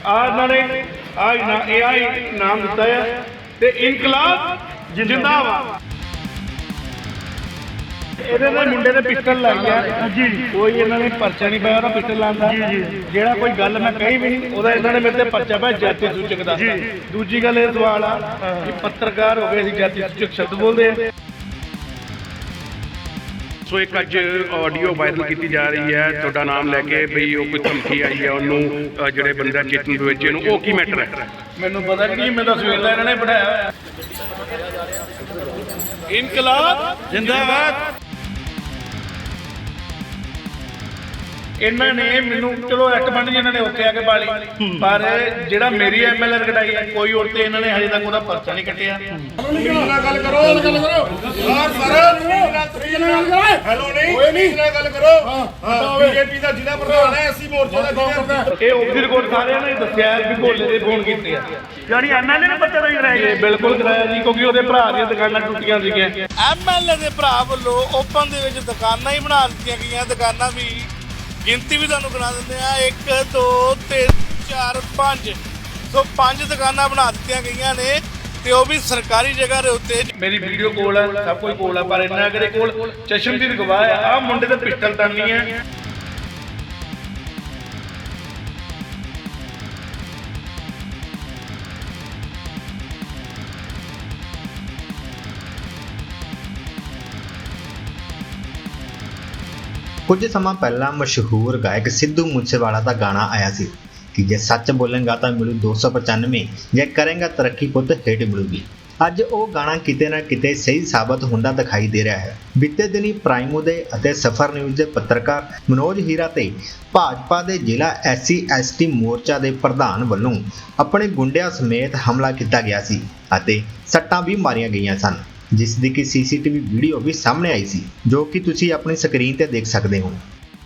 ਇਹਨਾਂ ਨੇ ਨਾਮ ਦਿੱਤਾ ਹੈ ਤੇ ਇਨਕਲਾਬ ਜਿੰਦਾਬਾਦ। ਇਹਦੇ ਨਾਲ ਮੁੰਡੇ ਨੇ ਪਿਸਟਲ ਲਾਈ ਆ ਜੀ, ਕੋਈ ਇਹਨਾਂ ਨੇ ਪਰਚਾ ਨਹੀਂ ਪਾਇਆ ਉਹਦਾ ਪਿਸਟਲ ਲਾਉਂਦਾ ਜਿਹੜਾ ਕੋਈ ਗੱਲ ਮੈਂ ਕਹੀ ਵੀ ਨਹੀਂ ਉਹਦਾ ਇਹਨਾਂ ਨੇ ਮੇਰੇ ਤੇ ਪਰਚਾ ਪਾਇਆ ਜਾਤੀ ਸੂਚਕ ਦਾ। ਦੂਜੀ ਗੱਲ ਇਹ ਸਵਾਲ ਆ ਕਿ ਪੱਤਰਕਾਰ ਹੋ ਗਏ ਅਸੀਂ ਜਾਤੀ ਸੂਚਕ ਸ਼ਬਦ ਬੋਲਦੇ ਆ। ਸੋ ਇੱਕ ਅੱਜ ਆਡੀਓ ਵਾਇਰਲ ਕੀਤੀ ਜਾ ਰਹੀ ਹੈ ਤੁਹਾਡਾ ਨਾਮ ਲੈ ਕੇ ਬਈ ਉਹ ਕੋਈ ਧਮਕੀ ਆਈ ਹੈ ਉਹਨੂੰ ਜਿਹੜੇ ਬੰਦਾ ਚੇਤਨ ਦਵੇਚੇ ਨੂੰ, ਉਹ ਕੀ ਮੈਟਰ ਹੈ? ਮੈਨੂੰ ਪਤਾ ਨਹੀਂ, ਮੈਂ ਤਾਂ ਸਵੇਰ ਦਾ ਇਹਨਾਂ ਨੇ ਬਿਠਾਇਆ ਹੋਇਆ। ਇਨਕਲਾਬ ਜਿੰਦਾਬਾਦ। ਇਹਨਾਂ ਨੇ ਮੈਨੂੰ ਚਲੋ ਐਕਟ ਬਣ ਜੀ ਇਹਨਾਂ ਨੇ ਉੱਥੇ ਆ ਕੇ ਬਾਲੀ, ਪਰ ਜਿਹੜਾ ਮੇਰੀ ਐਮਐਲਆਰ ਕਟਾਈ ਹੈ ਕੋਈ ਔਰ ਤੇ ਇਹਨਾਂ ਨੇ ਹਜੇ ਤੱਕ ਉਹਦਾ ਪਰਚਾ ਨਹੀਂ ਕੱਟਿਆ। ਗੱਲ ਕਰੋ ਹੈਲੋ ਨਹੀਂ ਕੋਈ ਨਹੀਂ ਗੱਲ ਕਰੋ। ਬੀਜੇਪੀ ਦਾ ਜ਼ਿਲ੍ਹਾ ਪ੍ਰਧਾਨ ਹੈ, ਅਸੀਂ ਮੋਰਚੇ ਦਾ ਜ਼ਿਲ੍ਹਾ। ਇਹ ਆਫ ਦੀ ਰਿਕਾਰਡ ਸਾਰਿਆਂ ਨੇ ਦੱਸਿਆ ਵੀ ਭੋਲੇ ਦੇ ਫੋਨ ਕੀਤੇ ਆ, ਯਾਨੀ ਐਮਐਲਏ ਨੇ ਪੱਤੇ ਦਾ ਹੀ ਕਰਾਇਆ ਇਹ ਬਿਲਕੁਲ ਕਰਾਇਆ ਜੀ, ਕਿਉਂਕਿ ਉਹਦੇ ਭਰਾ ਦੀਆਂ ਦੁਕਾਨਾਂ ਟੁੱਟੀਆਂ ਸੀਗੀਆਂ। ਐਮਐਲਏ ਦੇ ਭਰਾ ਵੱਲੋਂ ਓਪਨ ਦੇ ਵਿੱਚ ਦੁਕਾਨਾਂ ਹੀ ਬਣਾ ਦਿੱਤੀਆਂ ਗਈਆਂ। ਦੁਕਾਨਾਂ ਵੀ ਗਿਣਤੀ ਵੀ ਤੁਹਾਨੂੰ ਗਿਣਾ ਦਿੰਦੇ ਆ, 1 2 3 4 5, ਸੋ 5 ਦੁਕਾਨਾਂ ਬਣਾ ਦਿੱਤੀਆਂ ਗਈਆਂ ਨੇ ਤੇ ਉਹ ਵੀ ਸਰਕਾਰੀ ਜਗ੍ਹਾ ਦੇ ਉੱਤੇ। ਮੇਰੀ ਵੀਡੀਓ ਕੋਲ ਆ, ਸਭ ਕੁਝ ਕੋਲ ਆ, ਪਰ ਇੰਨਾ ਕਰੇ ਕੋਲ ਚਸ਼ਮਦੀਦ ਗਵਾਹ ਆ। ਆਹ ਮੁੰਡੇ ਤੇ ਪਿਸਟਲ ਤਾਨੀ ਆ। ਕੁਝ ਸਮਾਂ ਪਹਿਲਾਂ ਮਸ਼ਹੂਰ ਗਾਇਕ ਸਿੱਧੂ ਮੂਸੇਵਾਲਾ ਦਾ ਗਾਣਾ ਆਇਆ ਸੀ ਕਿ ਜੇ ਸੱਚ ਬੋਲੇਗਾ ਤਾਂ ਮਿਲੂ 295, ਜੇ ਕਰੇਗਾ ਤਰੱਕੀ ਪੁੱਤ ਹੇਠ ਮਿਲੂਗੀ। ਅੱਜ ਉਹ ਗਾਣਾ ਕਿਤੇ ਨਾ ਕਿਤੇ ਸਹੀ ਸਾਬਤ ਹੁੰਦਾ ਦਿਖਾਈ ਦੇ ਰਿਹਾ ਹੈ। ਬੀਤੇ ਦਿਨੀ ਪ੍ਰਾਈਮੋ ਦੇ ਅਤੇ ਸਫਰ ਨਿਊਜ਼ ਦੇ ਪੱਤਰਕਾਰ ਮਨੋਜ ਹੀਰਾ ਤੇ ਭਾਜਪਾ ਦੇ ਜ਼ਿਲ੍ਹਾ SC/ST ਮੋਰਚਾ ਦੇ ਪ੍ਰਧਾਨ ਵੱਲੋਂ ਆਪਣੇ ਗੁੰਡਿਆਂ ਸਮੇਤ ਹਮਲਾ ਕੀਤਾ ਗਿਆ ਸੀ ਅਤੇ ਸੱਟਾਂ ਵੀ ਮਾਰੀਆਂ ਗਈਆਂ ਸਨ, ਜਿਸ ਦੀ ਕਿ CCTV ਵੀਡੀਓ ਵੀ ਸਾਹਮਣੇ ਆਈ ਸੀ, ਜੋ ਕਿ ਤੁਸੀਂ ਆਪਣੀ ਸਕਰੀਨ ਤੇ ਦੇਖ ਸਕਦੇ ਹੋ।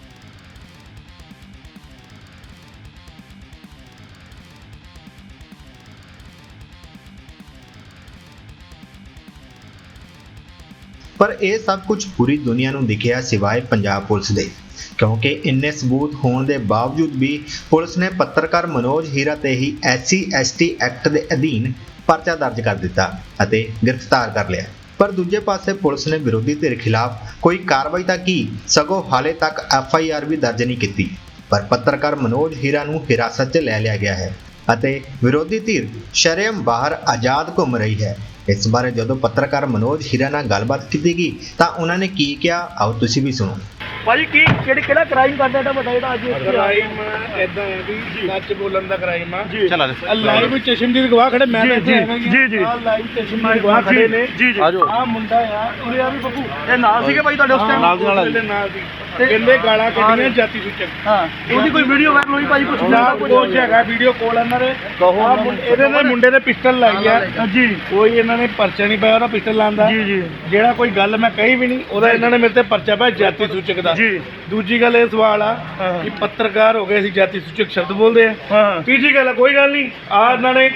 ਪਰ ਇਹ ਸਭ ਕੁਝ ਪੂਰੀ ਦੁਨੀਆ ਨੂੰ ਦਿਖਿਆ ਸਿਵਾਏ ਪੰਜਾਬ ਪੁਲਿਸ ਦੇ, ਕਿਉਂਕਿ ਇੰਨੇ ਸਬੂਤ ਹੋਣ ਦੇ ਬਾਵਜੂਦ ਵੀ ਪੁਲਿਸ ਨੇ ਪੱਤਰਕਾਰ ਮਨੋਜ ਹੀਰਾ ਤੇ ਹੀ SC/ST ਐਕਟ ਦੇ ਅਧੀਨ ਪਰਚਾ ਦਰਜ ਕਰ ਦਿੱਤਾ ਅਤੇ ਗ੍ਰਿਫਤਾਰ ਕਰ ਲਿਆ। ਪਰ ਦੂਜੇ ਪਾਸੇ ਪੁਲਿਸ ਨੇ ਵਿਰੋਧੀ ਧਿਰ ਖਿਲਾਫ ਕੋਈ ਕਾਰਵਾਈ ਤਾਂ ਕੀ, ਸਗੋਂ ਹਾਲੇ ਤੱਕ FIR ਵੀ ਦਰਜ ਨਹੀਂ ਕੀਤੀ। ਪਰ ਪੱਤਰਕਾਰ ਮਨੋਜ ਹੀਰਾ ਨੂੰ ਹਿਰਾਸਤ 'ਚ ਲੈ ਲਿਆ ਗਿਆ ਹੈ ਅਤੇ ਵਿਰੋਧੀ ਧਿਰ ਸ਼ਰੇਆਮ ਬਾਹਰ ਆਜ਼ਾਦ ਘੁੰਮ ਰਹੀ ਹੈ। ਇਸ ਬਾਰੇ ਜਦੋਂ ਪੱਤਰਕਾਰ ਮਨੋਜ ਹੀਰਾ ਨਾਲ ਗੱਲਬਾਤ ਕੀਤੀ ਗਈ ਤਾਂ ਉਹਨਾਂ ਨੇ ਕੀ ਕਿਹਾ, ਆਓ ਤੁਸੀਂ ਵੀ ਸੁਣੋ। ਭਾਜੀ ਕੀ ਕਿਹੜਾ ਕ੍ਰਾਈਮ ਕਰਦਾ ਤਾਂ ਬਤਾ ਜਿਹੜਾ ਅੱਜ ਕ੍ਰਾਈਮ ਇਦਾਂ ਹੈ ਵੀ ਸੱਚ ਬੋਲਣ ਦਾ ਕ੍ਰਾਈਮ ਆ। ਲਾਈਵ ਵਿੱਚ ਚਸ਼ਮਦੀਦ ਗਵਾਹ ਖੜੇ, ਮੈਂ ਇੱਥੇ ਆਇਆ ਜੀ। ਆਹ ਲਾਈਵ ਚਸ਼ਮਦੀਦ ਗਵਾਹ ਖੜੇ ਨੇ। ਆਹ ਮੁੰਡਾ ਆ, ਉਰੇ ਆ ਵੀ ਬੱਬੂ, ਇਹ ਨਾਲ ਸੀਗੇ ਭਾਈ ਤੁਹਾਡੇ ਉਸ ਟਾਈਮ? ਨਾਲ ਸੀ। ਕਹਿੰਦੇ ਗਾਲਾਂ ਕੱਢੀਆਂ ਜਾਤੀ ਸੂਚਕ। ਹਾਂ, ਉਹਦੀ ਕੋਈ ਵੀਡੀਓ ਵਾਇਰਲ ਹੋਈ ਭਾਈ? ਕੁਝ ਕੁਛ ਹੈਗਾ ਵੀਡੀਓ ਕੋਲ ਇਹਨਾਂ ਦੇ। ਇਹਦੇ ਨਾਲ ਮੁੰਡੇ ਨੇ ਪਿਸਟਲ ਲਾਈ ਆ ਜੀ, ਕੋਈ ਇਹਨਾਂ ਨੇ ਪਰਚਾ ਨਹੀਂ ਪਾਇਆ ਉਹਦਾ ਪਿਸਟਲ ਲਾਉਂਦਾ ਜਿਹੜਾ ਕੋਈ ਗੱਲ ਮੈਂ ਕਹੀ ਵੀ ਨਹੀਂ ਉਹਦਾ ਇਹਨਾਂ ਨੇ ਮੇਰੇ ਤੇ ਪਰਚਾ ਪਾਇਆ ਜਾਤੀ ਸੂਚਕ ਦਾ। ਦੂਜੀ ਗੱਲ ਇਹ ਸਵਾਲ ਆ ਕਿ ਪੱਤਰਕਾਰ ਹੋ ਗਏ ਅਸੀਂ ਜਾਤੀ ਸੂਚਕ ਸ਼ਬਦ ਬੋਲਦੇ ਆ। ਤੀਜੀ ਗੱਲ ਕੋਈ ਗੱਲ ਨਹੀਂ, ਇਹਨਾਂ ਨੇ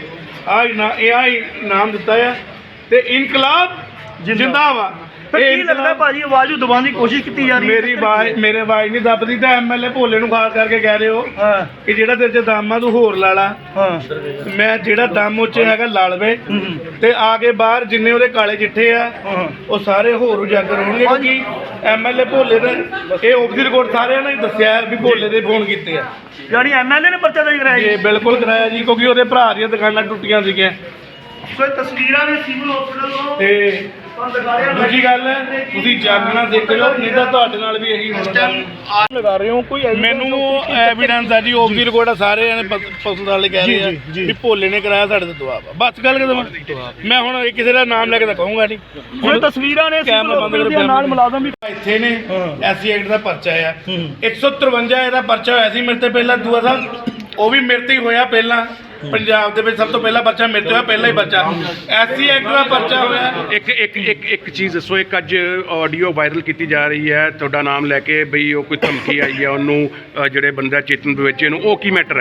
ਨਾਮ ਦਿੱਤਾ ਆ ਤੇ ਇਨਕਲਾਬ ਜਿੰਦਾਬਾਦ। ਕੀ ਲੱਗਦਾ ਭਾਜੀ ਆਵਾਜ਼ ਨੂੰ ਦਬਾਉਣ ਦੀ ਕੋਸ਼ਿਸ਼ ਕੀਤੀ ਜਾ ਰਹੀ ਹੈ? ਮੇਰੇ ਆਵਾਜ਼ ਨਹੀਂ ਦੱਬਦੀ ਤਾਂ ਐਮਐਲਏ ਭੋਲੇ ਨੂੰ ਖਾਸ ਕਰਕੇ ਕਹਿ ਰਹੇ ਹੋ ਕਿ ਜਿਹੜਾ ਤੇਰੇ 'ਚ ਦਮ ਆ ਤੂੰ ਹੋਰ ਲਾ ਲਾ। ਮੈਂ ਜਿਹੜਾ ਦਮ ਉਹ 'ਚ ਹੈਗਾ ਲਾ ਲਵੇ ਤੇ ਆ ਕੇ ਬਾਹਰ ਜਿੰਨੇ ਉਹਦੇ ਕਾਲੇ ਚਿੱਠੇ ਆ ਉਹ ਸਾਰੇ ਹੋਰ ਉਜਾਗਰ ਹੋਣਗੇ, ਕਿਉਂਕਿ ਐਮਐਲਏ ਭੋਲੇ ਦਾ ਇਹ ਆਫ ਦੀ ਰਿਕਾਰਡ ਸਾਰਿਆਂ ਨੇ ਦੱਸਿਆ ਵੀ ਭੋਲੇ ਦੇ ਫੋਨ ਕੀਤੇ ਆ। ਯਾਨੀ ਐਮਐਲਏ ਨੇ ਪਰਚਾ ਦਰਜ ਕਰਾਇਆ? ਇਹ ਬਿਲਕੁਲ ਕਰਾਇਆ ਜੀ, ਕਿਉਂਕਿ ਉਹਦੇ ਭਰਾ ਦੀਆਂ ਦੁਕਾਨਾਂ ਟੁੱਟੀਆਂ ਸੀਗੀਆਂ। ਸੋ ਤਸਵੀਰਾਂ ਨੇ ਸਿਵਲ ਹਸਪੀਟਲ ਤੋਂ ਤੇ ਦੂਜੀ ਗੱਲ ਹੈ ਤੁਸੀਂ ਜਾਗਣਾ ਸਿੱਖ ਲਓ, ਨਹੀਂ ਤਾਂ ਤੁਹਾਡੇ ਨਾਲ ਵੀ ਇਹੀ ਹੋਣਾ। ਲਗਾ ਰਹੇ ਹੋ ਕੋਈ ਮੈਨੂੰ ਐਵੀਡੈਂਸ ਆ ਜੀ, ਆਫ ਦੀ ਰਿਕਾਰਡ ਸਾਰੇ ਜਣੇ ਪੁਲਿਸ ਵਾਲੇ ਕਹਿ ਰਹੇ ਆ ਵੀ ਭੋਲੇ ਨੇ ਕਰਾਇਆ ਸਾਡੇ ਤੇ ਦਬਾਅ। ਬਸ ਗੱਲ ਕਦਮ ਮੈਂ ਹੁਣ ਕਿਸੇ ਦਾ ਨਾਮ ਲੈ ਕੇ ਤਾਂ ਕਹੂੰਗਾ ਨਹੀਂ। ਹੁਣ ਤਸਵੀਰਾਂ ਨੇ ਨਾਲ ਮੁਲਾਜ਼ਮ ਵੀ ਇੱਥੇ ਨੇ SC ਐਕਟ ਦਾ ਪਰਚਾ ਆ 153 ਇਹਦਾ ਪਰਚਾ ਹੋਇਆ ਸੀ ਮੇਰੇ ਤੇ ਪਹਿਲਾਂ ਦੂਆ ਸਾਹਿਬ, ਉਹ ਵੀ ਮੇਰੇ ਤੇ ਹੀ ਹੋਇਆ ਪਹਿਲਾਂ। ਪੰਜਾਬ ਦੇ ਵਿੱਚ ਸਭ ਤੋਂ ਪਹਿਲਾ ਪਰਚਾ ਮੇਰੇ ਤੇ ਹੋਇਆ, ਪਹਿਲਾ ਹੀ ਪਰਚਾ SC ਐਕਟ ਦਾ ਪਰਚਾ ਹੋਇਆ। ਇੱਕ ਚੀਜ਼ ਦੱਸੋ, ਇੱਕ ਅੱਜ ਆਡੀਓ ਵਾਇਰਲ ਕੀਤੀ ਜਾ ਰਹੀ ਹੈ ਤੁਹਾਡਾ ਨਾਮ ਲੈ ਕੇ ਬਈ ਉਹ ਕੋਈ ਧਮਕੀ ਆਈ ਹੈ ਉਹਨੂੰ ਜਿਹੜੇ ਬੰਦਾ ਚੇਤਨ ਦਵੇਚੇ ਨੂੰ, ਉਹ ਕੀ ਮੈਟਰ ਹੈ?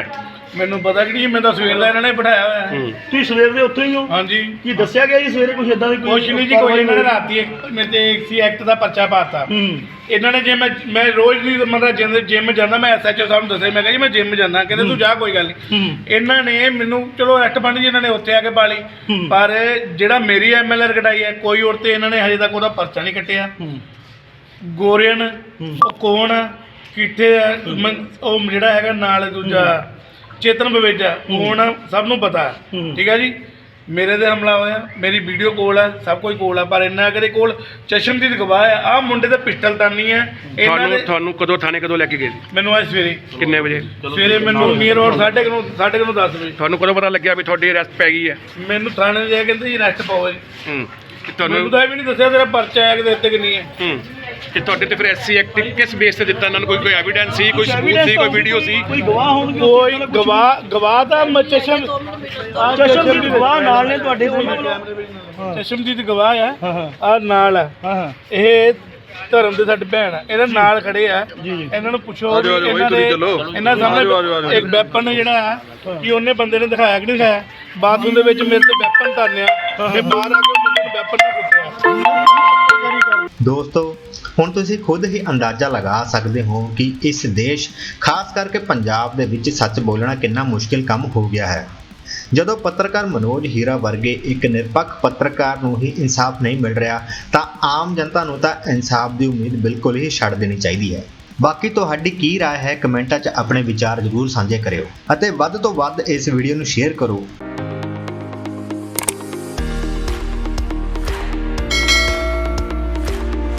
ਮੈਨੂੰ ਪਤਾ ਕਿ ਨਹੀਂ, ਮੈਂ ਤਾਂ ਸਵੇਰ ਦਾ ਇਹਨਾਂ ਨੇ ਬਿਠਾਇਆ ਹੋਇਆ ਹੈ। ਤੁਸੀਂ ਸਵੇਰ ਦੇ ਉੱਥੇ ਹੀ ਹੋ? ਹਾਂਜੀ। ਕੀ ਦੱਸਿਆ ਗਿਆ ਜੀ ਸਵੇਰੇ ਕੁਝ ਇਦਾਂ ਦੀ ਕੁਛ ਨਹੀਂ ਜੀ, ਕੋਈ ਇਹਨਾਂ ਨੇ ਰਾਤੀ ਮੇਰੇ ਤੇ ਐਕਸੀ ਐਕਟ ਦਾ ਪਰਚਾ ਪਾਤਾ। ਇਹਨਾਂ ਨੇ ਜੇ ਮੈਂ ਰੋਜ਼ ਨਹੀਂ ਮਤਲਬ ਜਿਮ ਜਾਂਦਾ, ਮੈਂ ਐਸਐਚਓ ਸਾਹਿਬ ਨੂੰ ਦੱਸਿਆ, ਮੈਂ ਕਿਹਾ ਜੀ ਮੈਂ ਜਿਮ ਜਾਂਦਾ, ਕਹਿੰਦੇ ਤੂੰ ਜਾ ਕੋਈ ਗੱਲ ਨਹੀਂ। ਇਹਨਾਂ ਨੇ ਮੈਨੂੰ ਚਲੋ ਐਕਟ ਬਣ ਜੀ ਇਹਨਾਂ ਨੇ ਉੱਥੇ ਆ ਕੇ ਪਾ ਲਈ, ਪਰ ਜਿਹੜਾ ਮੇਰੀ ਐਮਐਲਆਰ ਕਟਾਈ ਹੈ ਕੋਈ ਔਰ ਤੇ ਇਹਨਾਂ ਨੇ ਹਜੇ ਤੱਕ ਉਹਦਾ ਪਰਚਾ ਨਹੀਂ ਕੱਟਿਆ। ਗੋਰੀਅਨ ਉਹ ਕੌਣ ਆ, ਕਿੱਥੇ ਆ, ਉਹ ਜਿਹੜਾ ਹੈਗਾ ਨਾਲ ਦੂਜਾ ਚੇਤਨ ਬਵੇਜਾ ਕੌਣ ਆ, ਸਭ ਨੂੰ ਪਤਾ। ਠੀਕ ਹੈ ਜੀ, ਮੇਰੇ ਤੇ ਹਮਲਾ ਹੋਇਆ, ਮੇਰੀ ਵੀਡੀਓ ਕੋਲ ਹੈ, ਸਭ ਕੁਝ ਕੋਲ ਹੈ, ਪਰ ਇੰਨਾ ਕਰੇ ਕੋਲ ਚਸ਼ਮਦੀਦ ਗਵਾਹ ਹੈ। ਆਹ ਮੁੰਡੇ ਤੇ ਪਿਸਟਲ ਤਾਨੀ ਹੈ। ਤੁਹਾਨੂੰ ਕਦੋਂ ਥਾਣੇ ਕਦੋਂ ਲੈ ਕੇ ਗਏ ਸੀ? ਮੈਨੂੰ ਅੱਜ ਸਵੇਰੇ ਕਿੰਨੇ ਵਜੇ? ਸਵੇਰੇ ਮੈਨੂੰ ਨੀਅਰ ਔਰ 9:30 10 ਵਜੇ। ਤੁਹਾਨੂੰ ਕਦੋਂ ਪਤਾ ਲੱਗਿਆ ਵੀ ਤੁਹਾਡੀ ਅਰੈਸਟ ਪੈ ਗਈ ਹੈ? ਮੈਨੂੰ ਥਾਣੇ ਜਾ ਕੇ ਕਹਿੰਦੇ ਜੀ ਅਰੈਸਟ ਪਾਓ ਜੀ। ਤੇ ਮੈਨੂੰ ਤੁਹਾਨੂੰ ਤਾਂ ਇਹ ਵੀ ਨਹੀਂ ਦੱਸਿਆ ਤੇਰਾ ਪਰਚਾ ਹੈ ਕਿ ਤੇ ਨਹੀਂ ਹੈ। ਤੇ ਤੁਹਾਡੇ ਤੇ ਫਿਰ ਐਸਸੀ ਐਕਟ ਕਿਸ ਬੇਸ ਤੇ ਦਿੱਤਾ ਇਹਨਾਂ ਨੂੰ? ਕੋਈ ਐਵੀਡੈਂਸ ਸੀ, ਕੋਈ ਸਬੂਤ ਸੀ, ਕੋਈ ਵੀਡੀਓ ਸੀ? ਕੋਈ ਗਵਾਹ ਹੋਣਗੇ? ਕੋਈ ਗਵਾਹ ਤਾਂ ਚਸ਼ਮਦੀਦ ਗਵਾਹ ਨਾਲ ਨੇ ਤੁਹਾਡੇ ਕੋਲ? ਚਸ਼ਮਦੀਦ ਗਵਾਹ ਆ, ਆ ਨਾਲ ਆ। ਇਹ ਧਰਮ ਦੇ ਸਾਡੇ ਭੈਣ ਆ, ਇਹਦੇ ਨਾਲ ਖੜੇ ਆ। ਇਹਨਾਂ ਨੂੰ ਪੁੱਛੋ ਇਹਨਾਂ ਸਾਹਮਣੇ ਇੱਕ ਵੈਪਨ ਜਿਹੜਾ ਆ ਕਿ ਉਹਨੇ ਬੰਦੇ ਨੇ ਦਿਖਾਇਆ ਕਿ ਨਹੀਂ ਦਿਖਾਇਆ। ਬਾਥਰੂਮ ਦੇ ਵਿੱਚ ਮੇਰੇ ਤੇ ਵੈਪਨ ਧਾਰਿਆ ਤੇ ਬਾਹਰ ਆ ਕੇ ਮੁੰਡੇ ਨੂੰ ਵੈਪਨ ਨਾਲ ਕੁੱਟਿਆ। ਦੋਸਤੋ, ਹੁਣ ਤੁਸੀਂ ਖੁਦ ਹੀ ਅੰਦਾਜ਼ਾ ਲਗਾ ਸਕਦੇ ਹੋ ਕਿ ਇਸ ਦੇਸ਼ ਖਾਸ ਕਰਕੇ ਪੰਜਾਬ ਦੇ ਵਿੱਚ ਸੱਚ ਬੋਲਣਾ ਕਿੰਨਾ ਮੁਸ਼ਕਿਲ ਕੰਮ ਹੋ ਗਿਆ ਹੈ। ਜਦੋਂ ਪੱਤਰਕਾਰ ਮਨੋਜ ਹੀਰਾ ਵਰਗੇ ਇੱਕ ਨਿਰਪੱਖ ਪੱਤਰਕਾਰ ਨੂੰ ਹੀ ਇਨਸਾਫ ਨਹੀਂ ਮਿਲ ਰਿਹਾ ਤਾਂ ਆਮ ਜਨਤਾ ਨੂੰ ਤਾਂ ਇਨਸਾਫ ਦੀ ਉਮੀਦ ਬਿਲਕੁਲ ਹੀ ਛੱਡ ਦੇਣੀ ਚਾਹੀਦੀ ਹੈ। ਬਾਕੀ ਤੁਹਾਡੀ ਕੀ ਰਾਏ ਹੈ, ਕਮੈਂਟਾਂ 'ਚ ਆਪਣੇ ਵਿਚਾਰ ਜ਼ਰੂਰ ਸਾਂਝੇ ਕਰਿਓ ਅਤੇ ਵੱਧ ਤੋਂ ਵੱਧ ਇਸ ਵੀਡੀਓ ਨੂੰ ਸ਼ੇਅਰ ਕਰੋ।